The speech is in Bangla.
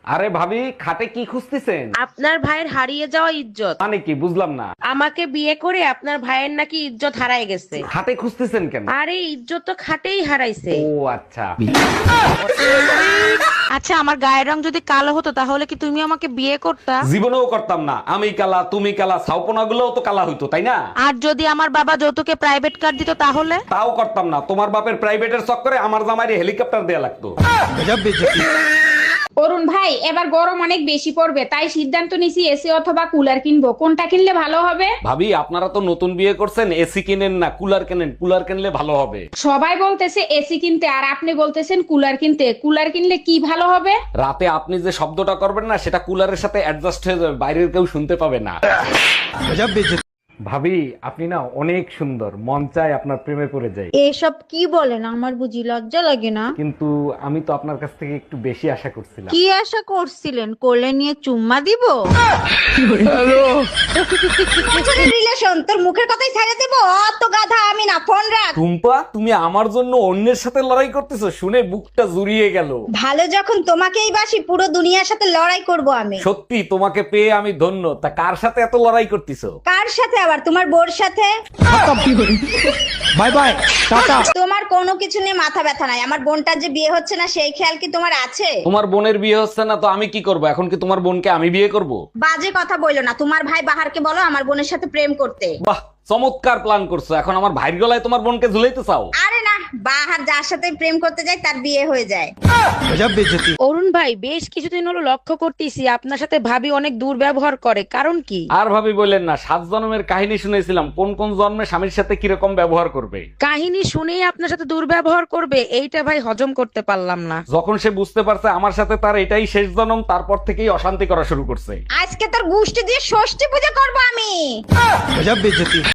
আরে ভাবি, খাটে কি খুঁজতেছেন? আপনার ভাইয়ের হারিয়ে যাওয়া ইজ্জত। মানে কি, বুঝলাম না। আমাকে বিয়ে করে আপনার ভাইয়ের নাকি ইজ্জত হারায় গেছে। খাটে খুঁজতেছেন কেন? আরে ইজ্জত তো খাটেই হারাইছে। ও আচ্ছা। আচ্ছা, আমার গায়ের রং যদি কালো হতো তাহলে কি তুমি আমাকে বিয়ে করতা? জীবনেও করতাম না। আমি কালা, তুমি কালা, ছাউপনা গুলোও তো কালা হইতো, তাই না? আর যদি আমার বাবা যৌতুকে প্রাইভেট কার দিত তাহলে? তাও করতাম না। তোমার বাপের প্রাইভেটের চক্করে আমার জামাইরে হেলিকপ্টার দেয়া লাগতো। অরুণ ভাই, এবার গরম অনেক বেশি পড়বে, তাই সিদ্ধান্ত নিছি এসি অথবা কুলার কিনবো। কোনটা কিনলে ভালো হবে? ভাবি, আপনারা তো নতুন বিয়ে করছেন, এসি কিনেন না, কুলার কেনেন। কুলার কিনলে ভালো হবে। সবাই বলতেছে এসি কিনতে, আর আপনি বলতেছেন কুলার কিনতে। কুলার কিনলে কি ভালো হবে? রাতে আপনি যে শব্দটা করবেন না, সেটা কুলারের সাথে অ্যাডজাস্ট হয়ে যাবে, বাইরের কেউ শুনতে পাবে না। ভাবি, আপনি না অনেক সুন্দর, মন চায় আপনার প্রেমে পড়ে যাই। এসব কি বলেন? আমার বুঝি লজ্জা লাগে না? কিন্তু আমি তো আপনার কাছ থেকে একটু বেশি আশা করছিলাম। কি আশা করছিলেন? কোলে নিয়ে চুম্মা দিব? রিলেশন তোর মুখের কথাই ছেড়ে দেব? অত গাধা আমি না, ফোন রাখ। টুম্পা, তুমি আমার জন্য অন্যের সাথে লড়াই করতেছো, শুনে বুকটা জুড়িয়ে গেল। ভালো যখন তোমাকেই বাসি, পুরো দুনিয়ার সাথে লড়াই করব আমি। সত্যি তোমাকে পেয়ে আমি ধন্য। তা কার সাথে এত লড়াই করতেছো? কার সাথে আবার? তোমার বোর সাথে। বাই বাই, টাটা। তোমার কোনো কিছু নিয়ে মাথা ব্যথা নাই। আমার বোনটার যে বিয়ে হচ্ছে না, সেই খেয়াল কি তোমার আছে? তোমার বোনের বিয়ে হচ্ছে না তো আমি কি করব? এখন কি তোমার বোনকে আমি বিয়ে করব? বাজে কথা বইলো না। তোমার ভাই বাহারকে বলো আমার বোনের সাথে প্রেম করতে। বাহ, চমৎকার প্ল্যান করছো। এখন আমার ভাইয়ের গলায় তোমার বোনকে ঝুলাইতে চাও? আরে না, বাহার যার সাথে প্রেম করতে যায় তার বিয়ে হয়ে যায়। অরুণ ভাই, বেশ কিছুদিন হলো লক্ষ্য করতেছি আপনার সাথে ভাবি অনেক দুর্ব্যবহার করে, কারণ কি? আর ভাবি বললেন না, 7 জন্মের কাহিনী শুনেছিলাম, কোন কোন জন্মে স্বামীর সাথে কিরকম ব্যবহার করবে। কাহিনী শুনেই আপনার সাথে দুর্ব্যবহার করবে, এইটা ভাই হজম করতে পারলাম না। যখন সে বুঝতে পারছে আমার সাথে তার এটাই শেষ জন্ম, তারপর থেকেই অশান্তি করা শুরু করছে। আজকে তোর গোষ্ঠী দিয়ে ষষ্ঠী পূজা করবো আমি।